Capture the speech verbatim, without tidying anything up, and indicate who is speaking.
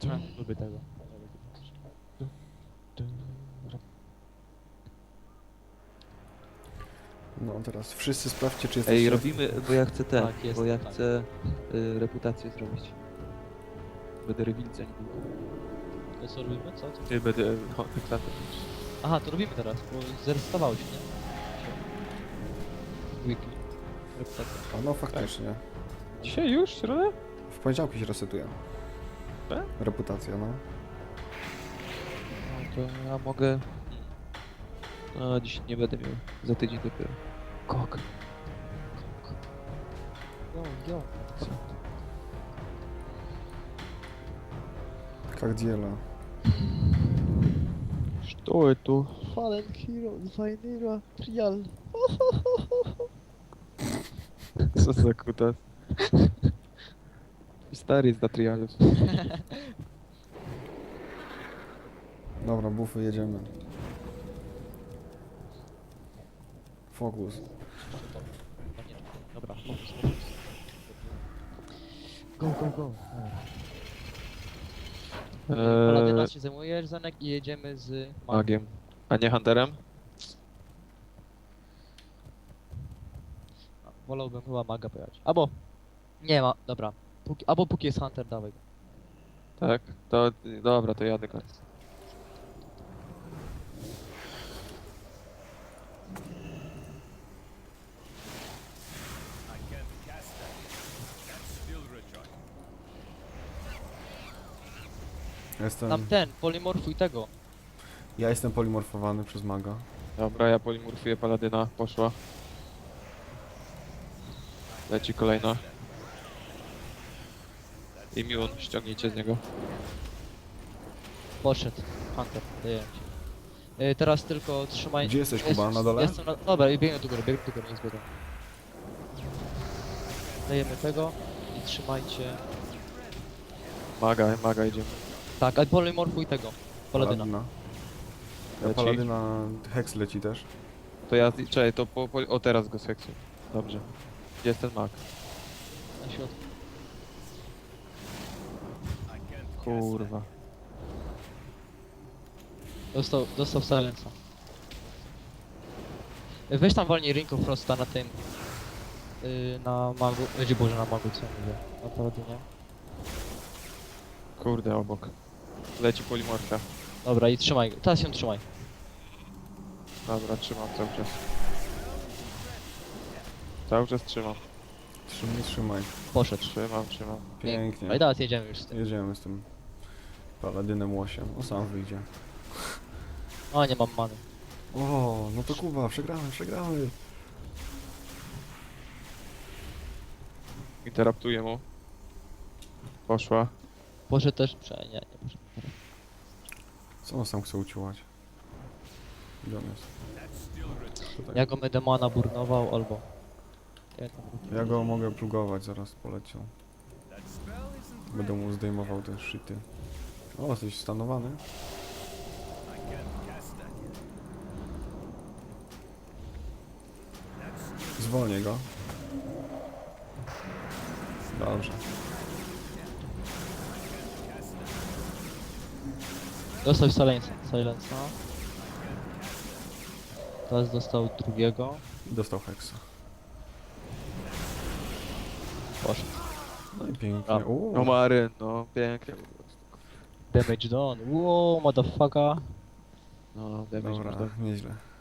Speaker 1: Tak, lubię tego.
Speaker 2: No teraz wszyscy sprawdźcie, czy jesteście...
Speaker 3: Ej, robimy, bo ja chcę ten,
Speaker 1: Tak, jest,
Speaker 3: bo ja
Speaker 1: tak.
Speaker 3: chcę y, reputację zrobić. Będę rewilcem niedługo.
Speaker 1: To co robimy? Co? co?
Speaker 3: Nie, będę no, heksatem.
Speaker 1: Aha, to robimy teraz, bo zresetowało się, nie? Weekly. Reputacja.
Speaker 2: A no faktycznie.
Speaker 3: Dzisiaj już? Środę?
Speaker 2: W poniedziałki się resetuje.
Speaker 3: Tak?
Speaker 2: Reputacja, no.
Speaker 3: No to ja mogę... No, dziś nie będę miał. Za tydzień dopiero. Kok. Kok.
Speaker 1: Yo, yo.
Speaker 2: Jak dziela.
Speaker 3: Что это?
Speaker 1: Fallen Hero, Zainira, Trial.
Speaker 3: Co za kutas? Stary jest na trialu.
Speaker 2: Dobra, bufy, jedziemy. Fokus.
Speaker 1: Dobra, fokus, fokus. Go, go, go. Paladyna
Speaker 3: Eee,
Speaker 1: się zajmujesz, Zanek, i jedziemy z magiem.
Speaker 3: magiem. A nie hunterem?
Speaker 1: Wolałbym chyba maga pojechać. Albo... Nie ma, dobra. Póki, albo póki jest Hunter, dawaj go.
Speaker 3: Tak? To dobra, to jadę go.
Speaker 2: Jestem...
Speaker 1: Tam ten, polimorfuj tego.
Speaker 2: Ja jestem polimorfowany przez maga.
Speaker 3: Dobra, ja polimorfuję paladyna, poszła. Leci kolejna. Immune, ściągnijcie z niego.
Speaker 1: Poszedł. Hunter, daję ci. Yy, teraz tylko trzymaj...
Speaker 2: Gdzie jesteś, Kuba?
Speaker 1: Jest-
Speaker 2: Na dole?
Speaker 1: Jestem na... Dobra, i biegnę do góry, biegnę do góry, nie zbiegam. Dajemy tego i trzymajcie...
Speaker 3: Maga, maga idziemy.
Speaker 1: Tak, a polimorfuj tego. Paladyna.
Speaker 2: Ja
Speaker 3: Leci.
Speaker 2: Paladyna... Hex leci też.
Speaker 3: To ja, czekaj, to po, po, o teraz go seksu. Dobrze. Gdzie jest ten mag?
Speaker 1: Na środku.
Speaker 3: Kurwa.
Speaker 1: Dostał, dostał silensa. Yy, Weź tam walnij Ring of Frosta na tym... Yy, na magu... Będzie Boże, na magu, co ja mówię? Na paladynie.
Speaker 3: Kurde, obok. Leci polimorfia.
Speaker 1: Dobra, i trzymaj go. Teraz się trzymaj.
Speaker 3: Dobra, trzymam cały czas. Cały czas trzymam.
Speaker 2: Trzymaj, trzymaj.
Speaker 1: Poszedł.
Speaker 3: Trzymam, trzymam.
Speaker 2: Pięknie.
Speaker 1: No i teraz jedziemy już z tym.
Speaker 2: Jedziemy z tym paladynem łosiem. O, sam wyjdzie.
Speaker 1: O, nie mam many.
Speaker 2: O, no to Kuba, przegramy, przegramy.
Speaker 3: Interaptuję mu. Poszła.
Speaker 1: Poszedł też... Prze... Nie, nie poszedł.
Speaker 2: Co on sam chce uciłać? Gdzie on jest? Tutaj.
Speaker 1: Ja go będę mana burnował, albo... Ja, tam...
Speaker 2: Ja go mogę plugować, zaraz poleciał. Będę mu zdejmował te shity. O, jesteś stanowany? Zwolnię go. Dobrze.
Speaker 1: Dostał silensa. Silensa. Teraz dostał drugiego.
Speaker 2: I dostał hexa.
Speaker 1: Poszedł.
Speaker 2: No i pięknie.
Speaker 1: Brawo.
Speaker 2: Uuu.
Speaker 3: No Maryn, no pięknie.
Speaker 1: Damage done. Wow, motherfucker.
Speaker 3: No, damage
Speaker 2: Dobra,
Speaker 3: można.
Speaker 2: nieźle.